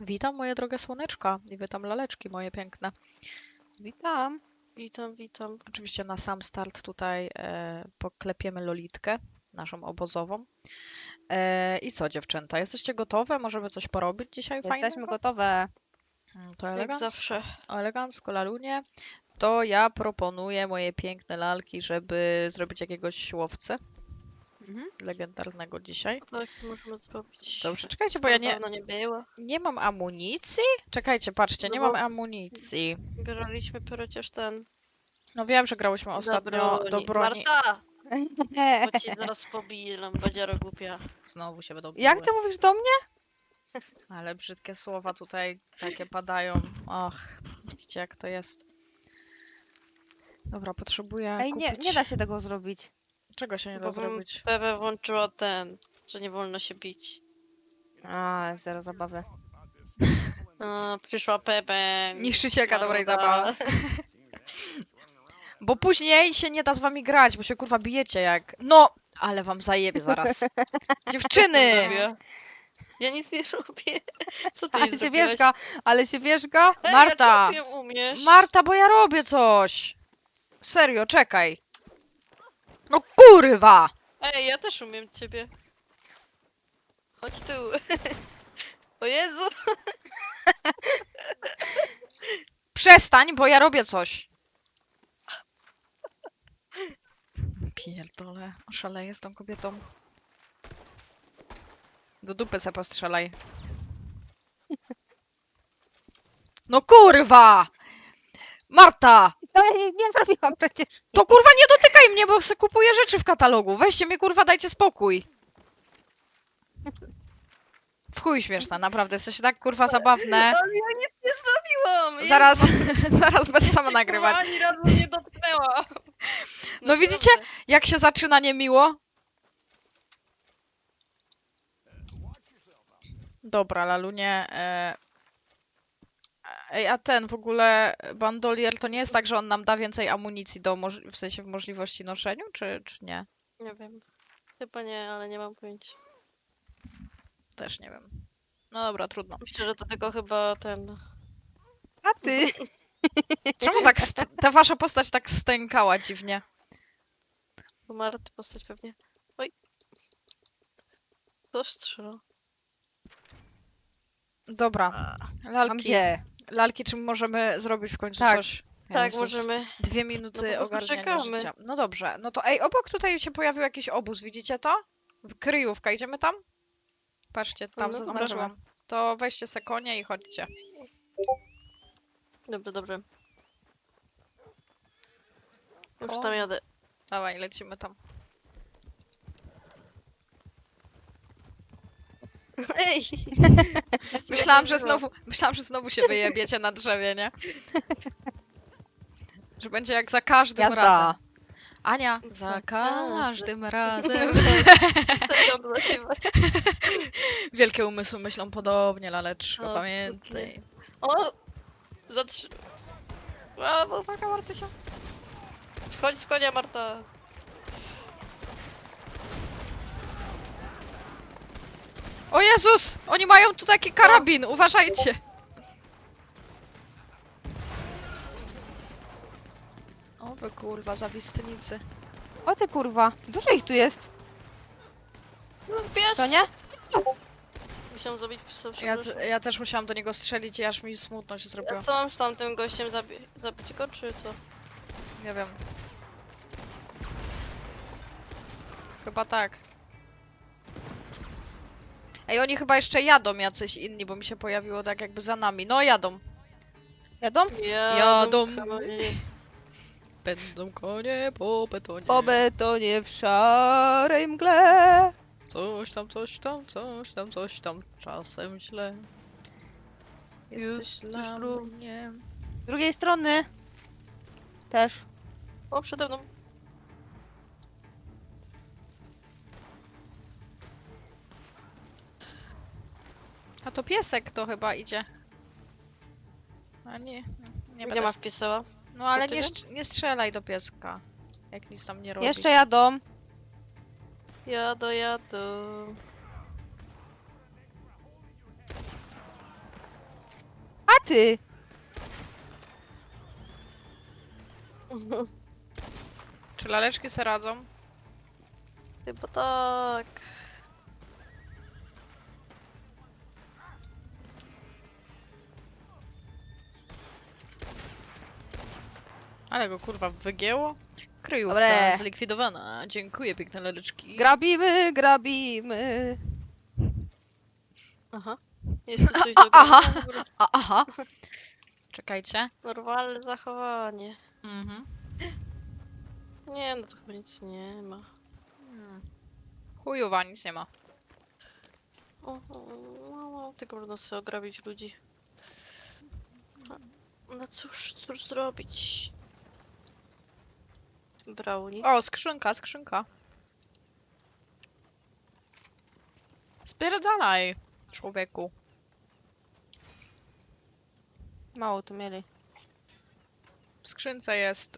Witam moje drogie słoneczka i witam laleczki moje piękne. Witam. Witam. Oczywiście na sam start tutaj poklepiemy Lolitkę, naszą obozową. I co dziewczęta, jesteście gotowe? Możemy coś porobić dzisiaj Jesteśmy fajnego? gotowe. To Jak elegancko, zawsze. elegancko lalunie. To ja proponuję moje piękne lalki, żeby zrobić jakiegoś łowcę Mhm. legendarnego dzisiaj. Tak, co możemy zrobić? Dobrze, czekajcie, bo Skoro ja dawno nie było. nie mam amunicji. Czekajcie, patrzcie, No nie bo- mam amunicji. Graliśmy przecież ten... No wiem, że grałyśmy ostatnio do broni. Marta! Bo ci zaraz pobiję, lambadziara głupia. Znowu się będą Jak biły. ty mówisz do mnie? Ale brzydkie słowa tutaj takie padają. Och, widzicie jak to jest. Dobra, potrzebuję Ej, kupić... nie da się tego zrobić. Czego się nie da Bo bym zrobić? Pepe włączyła ten, że nie wolno się bić. A, zero zabawy. Przyszła Pepe. Niszczycielka dobrej maruda. zabawy. Bo później się nie da z wami grać, bo się kurwa bijecie jak... No, ale wam zajebie zaraz. Dziewczyny! Zrobiła. Ja nic nie robię. Co ty Ale jej się zrobiłaś? wierzga, ale się wierzga. Ej, Marta! a czemu ty ją umiesz? Marta, bo ja robię coś! Serio, czekaj. No kurwa! Ej, ja też umiem ciebie. Chodź tu. O Jezu! Przestań, bo ja robię coś. Pierdolę, oszaleję z tą kobietą. Do dupy se postrzelaj. No kurwa! Marta! No ja nie zrobiłam przecież. To kurwa nie dotykaj mnie, bo se kupuję rzeczy w katalogu. Weźcie mnie kurwa, dajcie spokój. W chuj śmieszna, naprawdę, jesteście tak kurwa zabawne. Ale ja nic nie zrobiłam! Zaraz, zaraz będę sama Jezu, nagrywać. Ani razu nie dotknęła. No widzicie? Jak się zaczyna niemiło? Dobra, Lalunie. Ej, a ten w ogóle bandolier to nie jest tak, że on nam da więcej amunicji do w sensie w możliwości noszeniu, czy nie? Nie wiem. Chyba nie, ale nie mam pojęcia. Też nie wiem. No dobra, trudno. Myślę, że to tylko chyba ten... A ty? Czemu tak ta wasza postać tak stękała dziwnie? To Marty postać pewnie. Oj. Kto strzela? Dobra, Mam lalki, się. lalki, czy możemy zrobić w końcu Tak. coś? Tak, Jezus. możemy. 2 minuty No po prostu ogarniania czekamy. życia. No dobrze, no to ej, obok tutaj się pojawił jakiś obóz, widzicie to? Kryjówka, idziemy tam? Patrzcie, tam No dobra, zaznaczyłam. To weźcie se konie i chodźcie. Dobrze. Już Koń. tam jadę. Dawaj, lecimy tam. Ej! Myślałam, że znowu się wyjebiecie na drzewie, nie? Że będzie jak za każdym Jazda. razem. Ania, za Za każdym razem. Stadion zasiewać. Wielkie umysły myślą podobnie, laleczko, O, pamiętaj. O! A, uwaga, Martysia. Schodź z konia, Marta. O Jezus! Oni mają tu taki karabin, uważajcie! O wy kurwa, zawistnicy. O ty kurwa. Dużo ich tu jest. No wiesz. To nie? Musiałam zabić psa, Ja, przepraszam. ja też musiałam do niego strzelić i aż mi smutno się zrobiło. A co mam z tamtym gościem zabić go, czy co? Nie wiem. Chyba tak. Ej, oni chyba jeszcze jadą jacyś inni, bo mi się pojawiło tak jakby za nami. No jadą. Jadą? Jadą. konie. Będą konie po betonie. Po betonie w szarej mgle. Coś tam, coś tam, coś tam, coś tam. Czasem źle. Jesteś Jesteś dla lu- mnie. Z drugiej strony. Też. O, przede mną. A to piesek to chyba idzie. A nie, nie Gdzie będę. masz piesała? No ale ty nie, nie? nie strzelaj do pieska. Jak nic tam nie robi. Jeszcze jadą. Jadę. ty? Czy laleczki se radzą? Chyba tak. Ale go kurwa wygięło. Kryjówka Dobre. zlikwidowana. Dziękuję, piękne laleczki. Grabimy, grabimy. Aha. Jest tu coś do Aha. grania? Aha. Czekajcie. Normalne zachowanie. Mhm. Nie, no to chyba nic nie ma. Chujowa, nic nie ma. No, tylko można sobie ograbić ludzi. No cóż zrobić? Brownie. O, skrzynka, skrzynka. Spierdalaj, człowieku. Mało tu mieli. W skrzynce jest...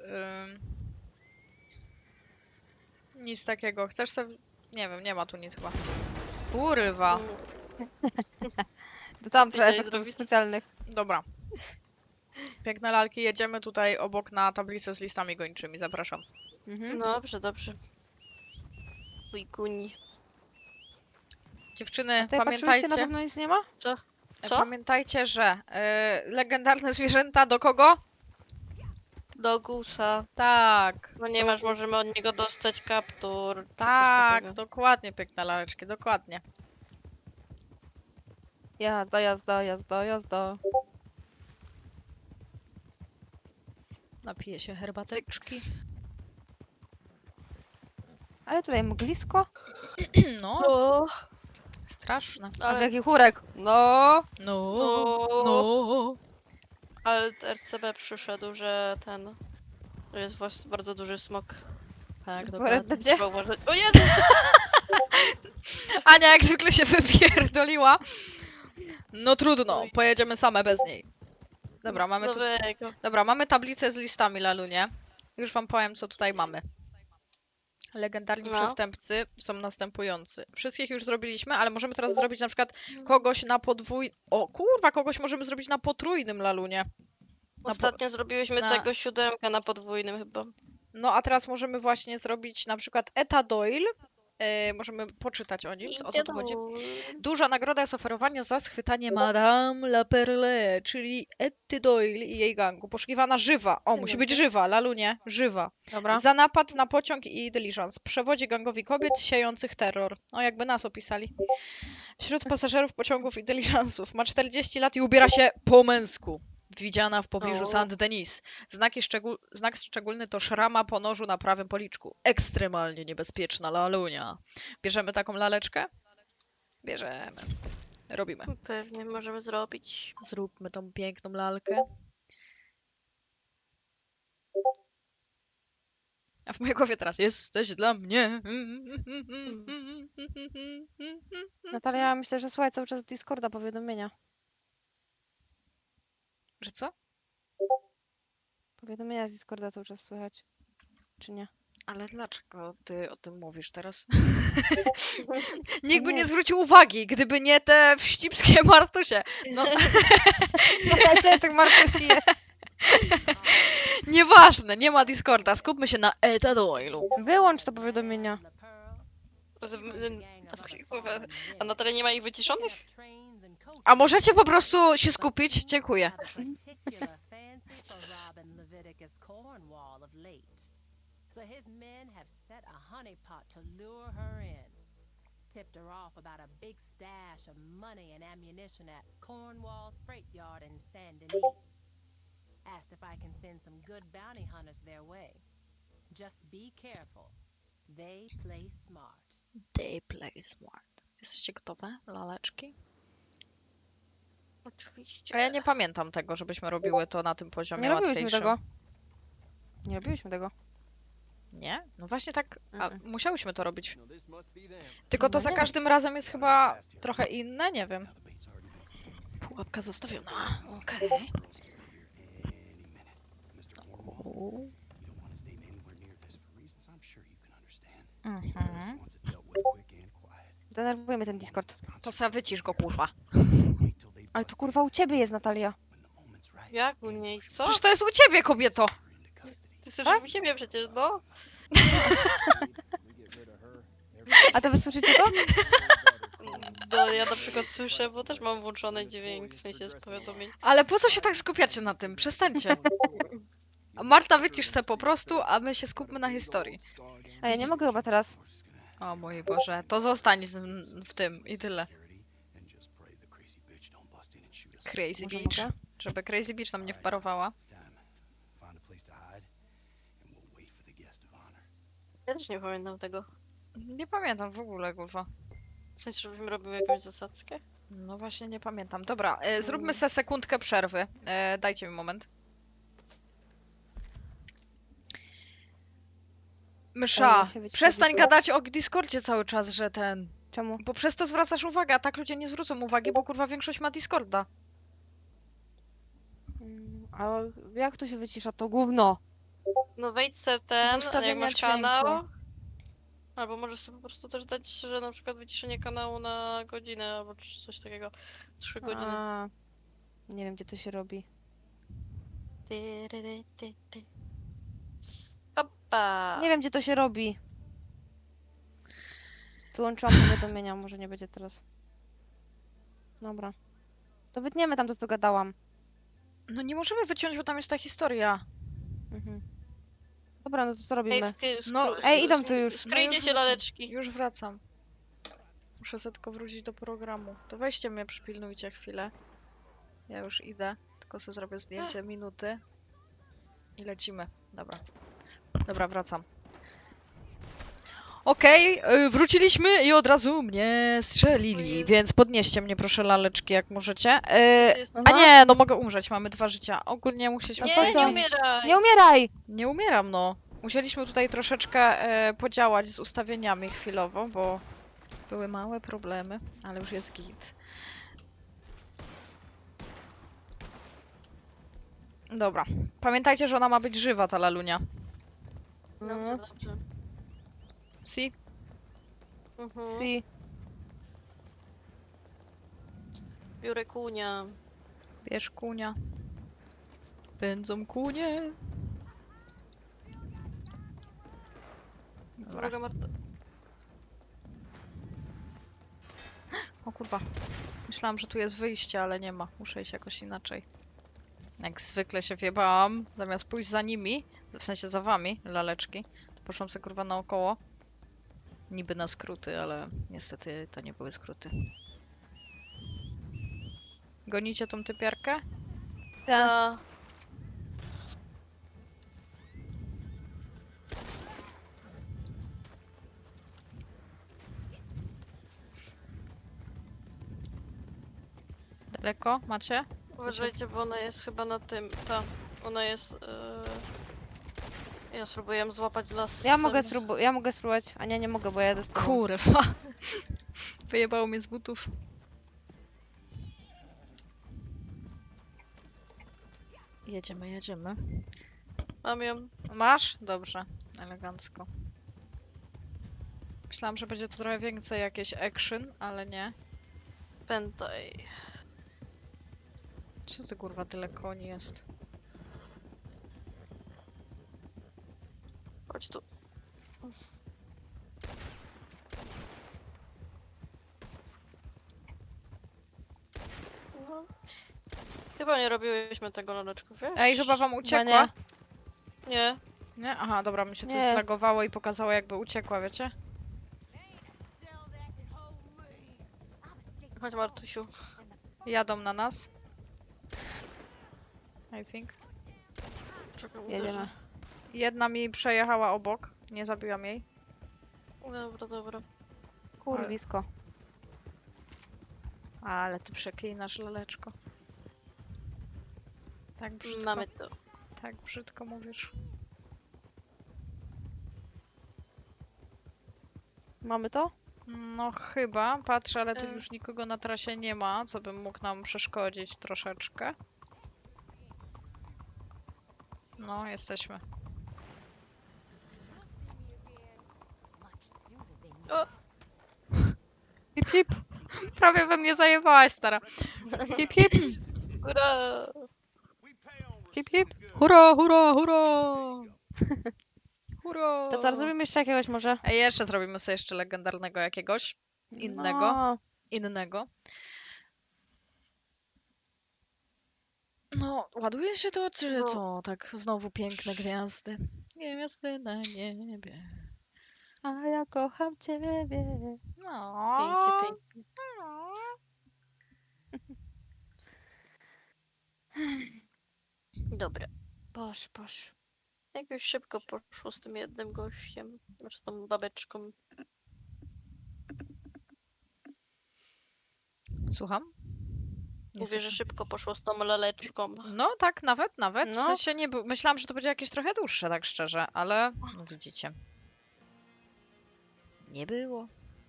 nic takiego. Chcesz sobie... Nie wiem, nie ma tu nic chyba. Kurwa. To tam trochę Chcieli efektów zrobić? specjalnych. Dobra. Piękne lalki, jedziemy tutaj obok na tablicę z listami gończymi. Zapraszam. Mhm. No dobrze, dobrze. Ujguni. Dziewczyny, Tutaj patrzyliście, na pamiętajcie... pewno nic nie ma? Co? Pamiętajcie, że legendarne zwierzęta do kogo? Do gusa. Tak. Ponieważ możemy od niego dostać kaptur. czy coś Tak, takiego. dokładnie, piękne laleczki, dokładnie. Jazda, jazda, jazda, jazda. Napiję się herbateczki. Ale tutaj mglisko. No, O, straszne. A w ale, jaki chórek? No. No, no, no. ale RCB przyszedł, że ten... To jest właśnie bardzo duży smok. Tak, Akurat dokładnie. będzie. Trzeba uważać. O Jezu! Ania jak zwykle się wypierdoliła. No trudno, pojedziemy same bez niej. Dobra, mamy tu... Nowego. Dobra, mamy tablicę z listami, Lalunie. Już wam powiem, co tutaj mamy. Legendarni No. przestępcy są następujący. Wszystkich już zrobiliśmy, ale możemy teraz zrobić na przykład kogoś na O kurwa, kogoś możemy zrobić na potrójnym Lalunie. Ostatnio zrobiłyśmy na- tego 7 na podwójnym chyba. No a teraz możemy właśnie zrobić na przykład Eta Doyle. Możemy poczytać o nim, o co tu chodzi. Duża nagroda jest oferowana za schwytanie Madame La Perle, czyli Etty Doyle i jej gangu. Poszukiwana żywa. O, musi być żywa, Lalunie, żywa. Dobra. Za napad na pociąg i dyliżans. Przewodzi gangowi kobiet siejących terror. O, jakby nas opisali. Wśród pasażerów pociągów i dyliżansów. Ma 40 lat i ubiera się po męsku. Widziana w pobliżu O. Saint-Denis. Znak szczególny to szrama po nożu na prawym policzku. Ekstremalnie niebezpieczna lalunia. Bierzemy taką laleczkę? Bierzemy. Robimy. Pewnie możemy zrobić. Zróbmy tą piękną lalkę. A w mojej głowie teraz jesteś dla mnie. Natalia, myślę, że słuchaj cały czas Discorda powiadomienia. Że co? Powiadomienia z Discorda cały czas słychać. Czy nie? Ale dlaczego ty o tym mówisz teraz? Nikt by Nie. nie zwrócił uwagi, gdyby nie te wścibskie Martusie. No, Słuchaj, tych Martusi jest. nieważne, nie ma Discorda. Skupmy się na Eta Doyle'u. Wyłącz to powiadomienia. A Natalia nie ma ich wyciszonych? A możecie po prostu się skupić? Dziękuję. So his men have set a honeypot to lure her in. Tipped her off about a big stash of money and ammunition at Cornwall's freight yard in Saint Denis. Asked if I can send some good bounty hunters their way. Just be careful. They play smart. They play smart. Jesteście gotowe, laleczki? Oczywiście. A ja nie pamiętam tego, żebyśmy robiły to na tym poziomie Nie robiłyśmy łatwiejszym. tego. Nie robiłyśmy tego. Nie? No właśnie tak, a Mm-mm. musiałyśmy to robić. Tylko to No za nie. każdym razem jest chyba trochę inne, nie wiem. Pułapka zostawiona, okej. O. Mhm. Denerwuje mnie ten Discord. To se wycisz go, kurwa. Ale to kurwa u ciebie jest, Natalia. Jak u niej? Co? Przecież to jest u ciebie, kobieto! Ty słyszysz u siebie przecież, no? A to wy słyszycie to? No ja na przykład słyszę, bo też mam włączony dźwięk, w sensie z powiadomień. Ale po co się tak skupiacie na tym? Przestańcie. A Marta, wycisz se po prostu, a my się skupmy na historii. A ja nie mogę chyba teraz. O mój Boże, to zostań w tym i tyle. Crazy Może Beach. mogę? Żeby Crazy Beach nam nie wparowała. Ja też nie pamiętam tego. Nie pamiętam w ogóle, kurwa. W sensie, żebym robił jakąś zasadzkę. No właśnie nie pamiętam. Dobra, zróbmy se sekundkę przerwy. Dajcie mi moment. Mysza, ja się wyciszyłam. przestań gadać o Discordzie cały czas, że ten... Czemu? Bo przez to zwracasz uwagę, a tak ludzie nie zwrócą uwagi, bo kurwa większość ma Discorda. A jak to się wycisza to gówno? No wejdź se ten, jak Ustawienia masz dźwięku. kanał. Albo możesz sobie po prostu też dać, że na przykład wyciszenie kanału na godzinę, albo coś takiego. 3 godziny. A, nie wiem, gdzie to się robi. Ty. Opa! Nie wiem, gdzie to się robi. Wyłączyłam powiadomienia, może nie będzie teraz. Dobra. To wytniemy tam to, co gadałam. No nie możemy wyciąć, bo tam jest ta historia. Mhm. Dobra, no to co Ej, robimy? No, ej, idą tu już. Skryjcie No już się, wracam. laleczki. Już wracam. Muszę sobie tylko wrócić do programu. To weźcie mnie, przypilnujcie chwilę. Ja już idę, tylko sobie zrobię zdjęcie minuty. I lecimy. Dobra. Dobra, wracam. Okej, wróciliśmy i od razu mnie strzelili, Ojej. więc podnieście mnie proszę laleczki jak możecie. Co to jest? A nie, no mogę umrzeć, mamy 2 życia. Ogólnie musieliśmy Nie, tutaj nie zmienić. umieraj! Nie umieraj! Nie umieram, no. Musieliśmy tutaj troszeczkę podziałać z ustawieniami chwilowo, bo były małe problemy, ale już jest git. Dobra. Pamiętajcie, że ona ma być żywa, ta lalunia. Dobrze, dobrze. Si? Mhm. Si. Biorę kunia. Bierz kunia. Pędzą kunie. Dobra. Droga Marta. O kurwa. Myślałam, że tu jest wyjście, ale nie ma. Muszę iść jakoś inaczej. Jak zwykle się wjebałam. Zamiast pójść za nimi, w sensie za wami, laleczki, to poszłam sobie kurwa naokoło. Niby na skróty, ale niestety to nie były skróty. Gonicie tą typiarkę? Tak. A, Daleko? Macie? uważajcie, bo ona jest chyba na tym. Ta. Ona jest. Ja spróbuję złapać las. Ja mogę spróbować. A nie mogę, bo ja jadę z tobą. Kurwa. Wyjebało mnie z butów. Jedziemy, jedziemy. Mam ją. Masz? Dobrze. Elegancko. Myślałam, że będzie to trochę więcej jakieś action, ale nie. Pętaj. Co ty kurwa tyle koni jest? Chodź tu. No. Chyba nie robiłyśmy tego laleczków, wiesz? Ej, chyba wam Chyba uciekła. Nie. Nie? Aha, dobra, mi się coś Nie. zlagowało i pokazało jakby uciekła, wiecie? Chodź Martusiu. Jadą na nas. I think. Czekaj, Jedziemy. uderzę. Jedna mi przejechała obok. Nie zabiłam jej. Dobra, dobra. Kurwisko. Ale ty przeklinasz, laleczko. Tak brzydko. Mamy to. Tak brzydko mówisz. Mamy to? No chyba, patrzę, ale tu E. już nikogo na trasie nie ma, co by mógł nam przeszkodzić troszeczkę. No, jesteśmy. O! Hip hip. Prawie we mnie zajebałaś, stara. Hip hip. Ura! Hip, hip. Hurra, hurra, hurra! Hurra! To zaraz zrobimy jeszcze jakiegoś może. Ej, jeszcze zrobimy sobie jeszcze legendarnego jakiegoś. Innego. No. Innego. No, ładuje się to, czy No. co? Tak, znowu piękne gwiazdy. Gwiazdy na niebie. A ja kocham ciebie. No. Pięknie, pięknie. Dobra. Boż. Jak już szybko poszło z tym jednym gościem, znaczy z tą babeczką. Słucham? Nie Mówię, że słyszę. szybko poszło z tą laleczką. No tak, nawet. W No. sensie nie był. Myślałam, że to będzie jakieś trochę dłuższe, tak szczerze, ale no widzicie. Nie było.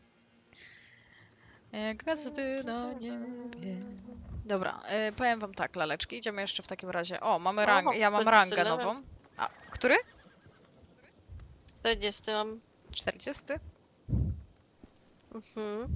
Gwiazdy na niebie. Dobra, powiem wam tak, laleczki, idziemy jeszcze w takim razie. O, mamy rangę. Ja mam 40 rangę level. nową. A, który? 40 mam. 40? Mhm.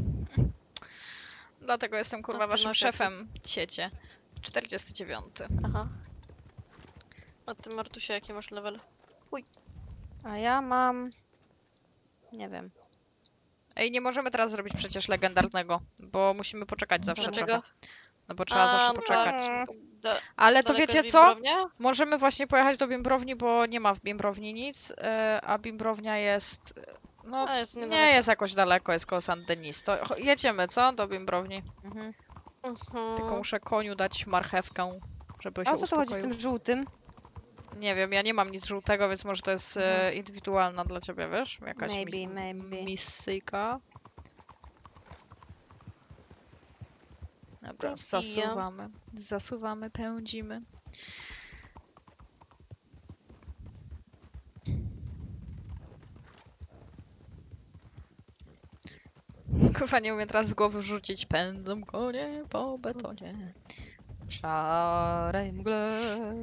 Dlatego jestem kurwa A ty waszym masz szefem, ciecie. 49. Aha. A ty, Martusia, jaki masz level? A ja mam... Nie wiem. Ej, nie możemy teraz zrobić przecież legendarnego, bo musimy poczekać zawsze Dlaczego? trochę. No bo trzeba zawsze no poczekać. tak. Ale to Daleko wiecie jest co? Bimbrownia? Możemy właśnie pojechać do Bimbrowni, bo nie ma w Bimbrowni nic, a Bimbrownia jest... No, A, jest nie niedaleko. jest jakoś daleko, jest koło Saint Denis. To jedziemy, co? Do Bimbrowni. Mhm. Tylko muszę koniu dać marchewkę, żeby się A o co tu chodzi z uspokoił. tym żółtym? Nie wiem, ja nie mam nic żółtego, więc może to jest indywidualna dla ciebie, wiesz? Jakaś Maybe. misyjka. Dobra, Misja. zasuwamy, pędzimy. Kurwa, nie umiem teraz z głowy rzucić. Pędzą konie po betonie. W szarej mgle.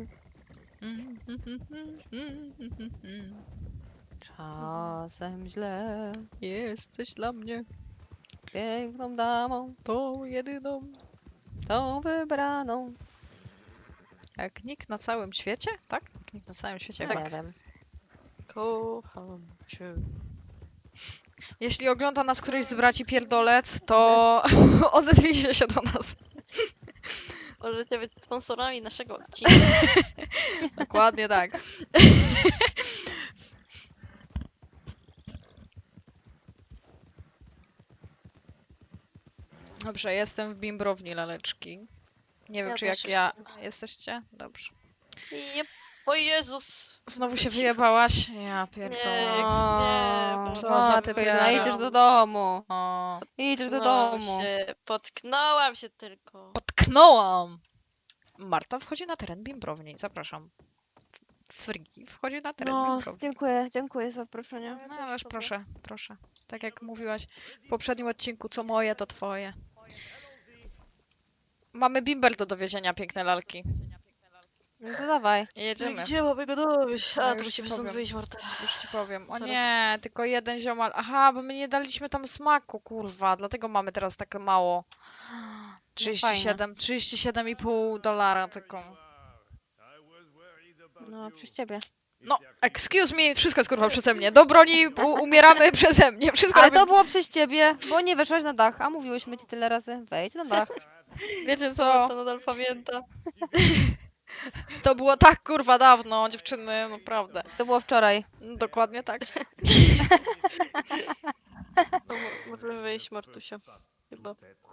Czasem źle. Jesteś dla mnie Piękną damą, tą jedyną, tą wybraną. jak nikt na całym świecie, tak? Jak nikt na całym świecie, Nie tak. wiem. Kocham cię. Jeśli ogląda nas któryś z braci pierdolec, to odezwijcie się do nas. Możecie być sponsorami naszego odcinka. Dokładnie tak. Dobrze, jestem w Bimbrowni, laleczki. Nie wiem, Ja czy też jak ja... jestem. Jesteście? Dobrze. Jep. O Jezus! Znowu się Cicho. wyjebałaś? Ja Nie, pierdolę. nie, Co bo za matko, typiara. jedna, idziesz do domu. O, Idziesz do domu. Potknąłam się tylko. potknąłam! Marta wchodzi na teren Bimbrowni. Zapraszam. Friki wchodzi na teren No, Bimbrowni. dziękuję za zaproszenie. No ależ proszę. Tak jak mówiłaś w poprzednim odcinku, co moje, to twoje. Mamy bimber do dowiezienia, piękne lalki. No to dawaj. Jedziemy. Gdzie mamy go dowieść? No A, już to ci musimy stąd powiem. wyjść, Marta. Już ci powiem. O Zaraz. nie, tylko jeden ziomal. Aha, bo my nie daliśmy tam smaku, kurwa. Dlatego mamy teraz takie mało. 37,5 dolara tylko. No, przez ciebie. No, excuse me, wszystko jest kurwa przeze mnie. Do broni umieramy przeze mnie. Wszystko Ale robię. to było przez ciebie, bo nie weszłaś na dach, a mówiłyśmy ci tyle razy. Wejdź na dach. Wiecie co? Marta nadal pamięta. To było tak kurwa dawno, dziewczyny, naprawdę. To było wczoraj. Dokładnie tak. No, możemy wyjść, Martusia. Chyba.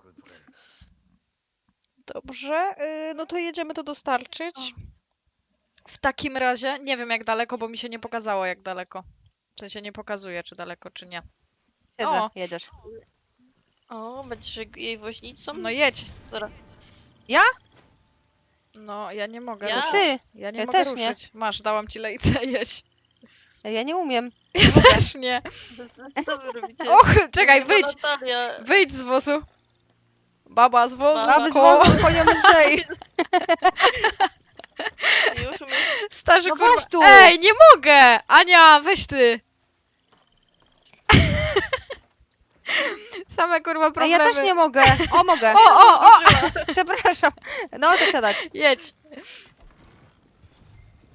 Dobrze, no to jedziemy to dostarczyć. W takim razie, nie wiem jak daleko, bo mi się nie pokazało jak daleko. W sensie nie pokazuje, czy daleko, czy nie. Siedzę, O. jedziesz. O, będziesz jej woźnicą? No jedź. Dobra. Ja? No, ja nie mogę Ja? ruszyć. Ty! Ja nie Ja mogę też nie. ruszyć. Masz, dałam ci lejce, jedź. Ja nie umiem. Też nie. Co wy robicie? Och, czekaj, Chyba wyjdź. Natalia. Wyjdź z wozu. Baba z wozu. Baba Baby z koło. wozu konią lżej. Już umiem. Starzy No kurwa. weź tu. Ej, nie mogę! Ania, weź ty. Same kurwa A problemy. ja też nie mogę. O, mogę. O! Przepraszam. No to siadać. Jedź.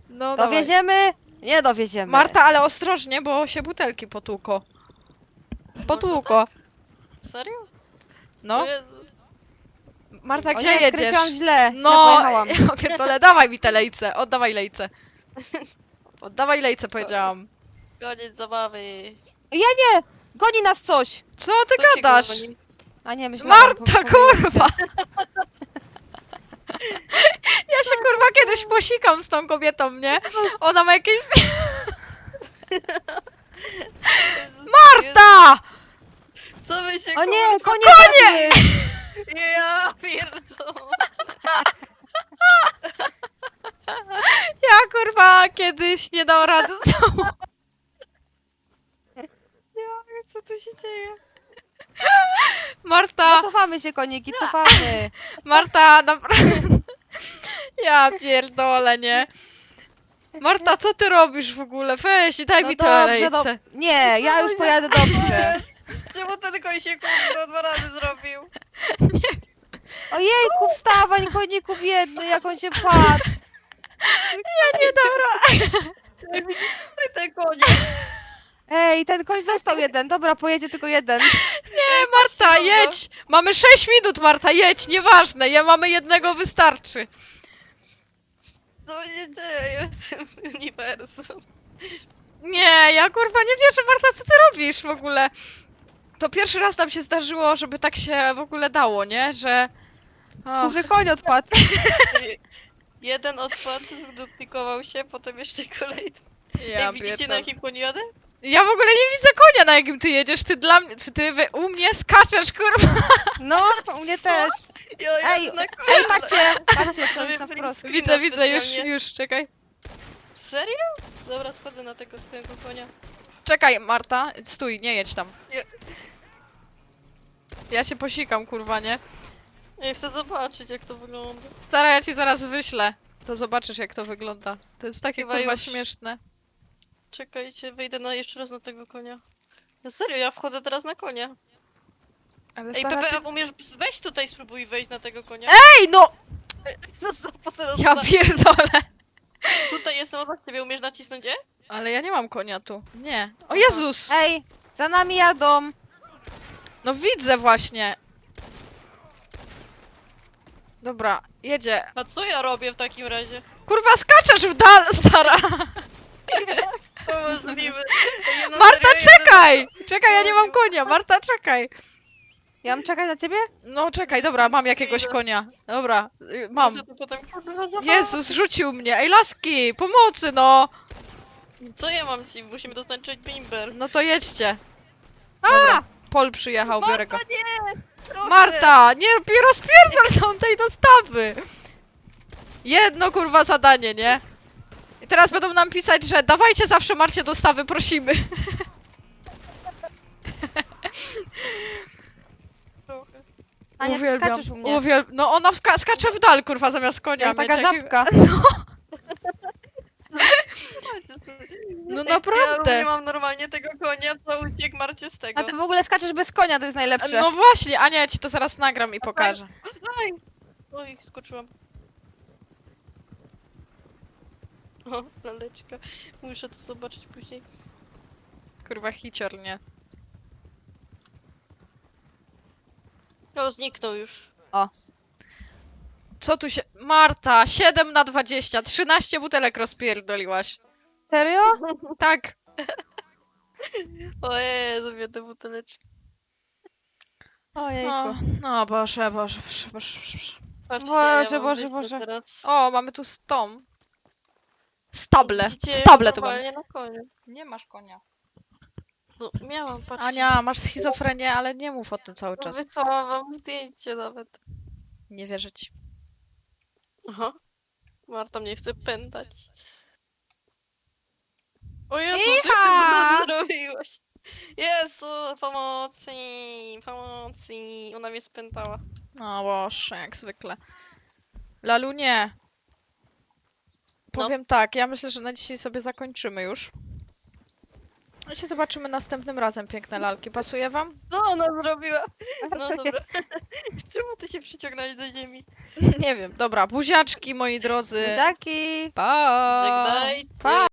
No dawaj. Dowieziemy? Nie dowieziemy. Marta, ale ostrożnie, bo się butelki potłuko. Potłuko. Serio? No. O Jezu. Marta, O gdzie nie, jedziesz? skręciłam źle. No, pojechałam. ja pierdolę, dawaj mi te lejce, oddawaj lejce. Oddawaj lejce, powiedziałam. Koniec zabawy. Goni nas coś! Co ty Co się gadasz? goni? A nie, myślałam. Marta, kurwa! Ja się kurwa kiedyś posikam z tą kobietą, nie? Ona ma jakieś... Marta! Co wy się O nie, kurwa... konie! Ja pierdolę. Ja kurwa kiedyś nie dał rady z sobą. Co tu się dzieje? Marta, No cofamy się, koniki, cofamy. Marta, naprawdę. Ja pierdolę, nie? Marta, co ty robisz w ogóle? Weź i daj No mi te dobrze, lejce. Nie, ja już pojadę dobrze. Czemu ten koń się kurwa 2 razy zrobił? Ojejku, wstawań, koniku biedny, jak on się padł. Nie, dobra. Widzicie te konie? Ej, ten koń został jeden. Dobra, pojedzie tylko jeden. Nie, Marta, jedź! Mamy 6 minut, Marta, jedź, nieważne, mamy jednego, wystarczy. No nie dzieje w tym uniwersum. Nie, ja kurwa nie wierzę, Marta, co ty robisz w ogóle? To pierwszy raz nam się zdarzyło, żeby tak się w ogóle dało, nie? Że... Och, Że koń odpadł. Jeden odpadł, zduplikował się, potem jeszcze kolejny. ja Ej, widzicie na pierdolę. jakim koniu jadę? Ja w ogóle nie widzę konia, na jakim ty jedziesz. Ty dla mnie, u mnie skaczesz, kurwa. No, u mnie też. Ja jadę Ej, na ej, patrzcie, co Sobie jest na print wprost. screena Widzę, specjalnie. już, czekaj. Serio? Dobra, schodzę na tego swojego konia. Czekaj, Marta, stój, nie jedź tam. Nie. Ja się posikam, kurwa, nie? Ja chcę zobaczyć jak to wygląda. Stara, ja ci zaraz wyślę. To zobaczysz, jak to wygląda. To jest takie, Chyba kurwa, już. śmieszne. Czekajcie, wejdę jeszcze raz na tego konia. Ja serio, ja wchodzę teraz na konia. Ale Ej, stara, Pepe, ty... a umiesz, weź tutaj spróbuj wejść na tego konia. Ej, no! Co za teraz Ja pierdolę. Tutaj jestem obok ciebie, umiesz nacisnąć E? Ale ja nie mam konia tu. Nie. O Aha. Jezus! Ej, za nami jadą. No widzę właśnie. Dobra, jedzie. A co ja robię w takim razie? Kurwa, skaczesz w dal, stara! To możliwe. Ej, no Marta, serio, czekaj! Czekaj, ja nie mam konia. Marta, czekaj. Ja mam czekać na ciebie? No czekaj, dobra, mam jakiegoś konia. Dobra, mam. Muszę to potem kurwa zachować. Jezus, rzucił mnie. Ej, laski, pomocy, no! Co ja mam ci? Musimy dostarczyć bimber. No to jedźcie. Dobra, Pol przyjechał, biorę go. Marta, nie! Proszę! Marta, nie rozpierdol tam tej dostawy! Jedno, kurwa, zadanie, nie? I teraz będą nam pisać, że dawajcie zawsze Marcie dostawy, prosimy. Trochę. Ania, ty skaczesz u mnie. No ona skacze w dal, kurwa, zamiast konia. Jak mieć taka jakiego- żabka. No Ej, Ja naprawdę. nie mam normalnie tego konia, co uciekł Marcie z tego. A ty w ogóle skaczesz bez konia, to jest najlepsze. No właśnie, Ania, ja ci to zaraz nagram i pokażę. Oj! Oj, skoczyłam. O, laleczka. Muszę to zobaczyć później. Kurwa, hicior, nie? O, zniknął już. Co tu się... Marta, 7 na 20, 13 butelek rozpierdoliłaś. Serio? Tak. O Jezu, mnie te buteleczki. Ojejku. No, Boże. Patrzcie, Boże, mam Boże, wyjście Boże. Teraz. O, mamy tu stom. Stable. Widzicie, Stable to mamy. normalnie na koniu. Nie masz konia. No, miałam, patrzcie. Ania, masz schizofrenię, ale nie mów o tym cały No czas. wysłałam wam zdjęcie nawet. Nie wierzę ci. Aha. Marta mnie chce pętać. O Jezu, co ty Iha! to zrobiłaś? Jezu, pomocy, pomocy. Ona mnie spętała. No Boże, jak zwykle. Lalu, nie. Powiem tak, ja myślę, że na dzisiaj sobie zakończymy już. No się zobaczymy następnym razem, piękne lalki. Pasuje wam? Co ona zrobiła? No Pasuje. dobra. Czemu ty się przyciągnąłeś do ziemi? Nie wiem. Dobra, buziaczki, moi drodzy. Buziaki! Pa! Żegnaj. Pa!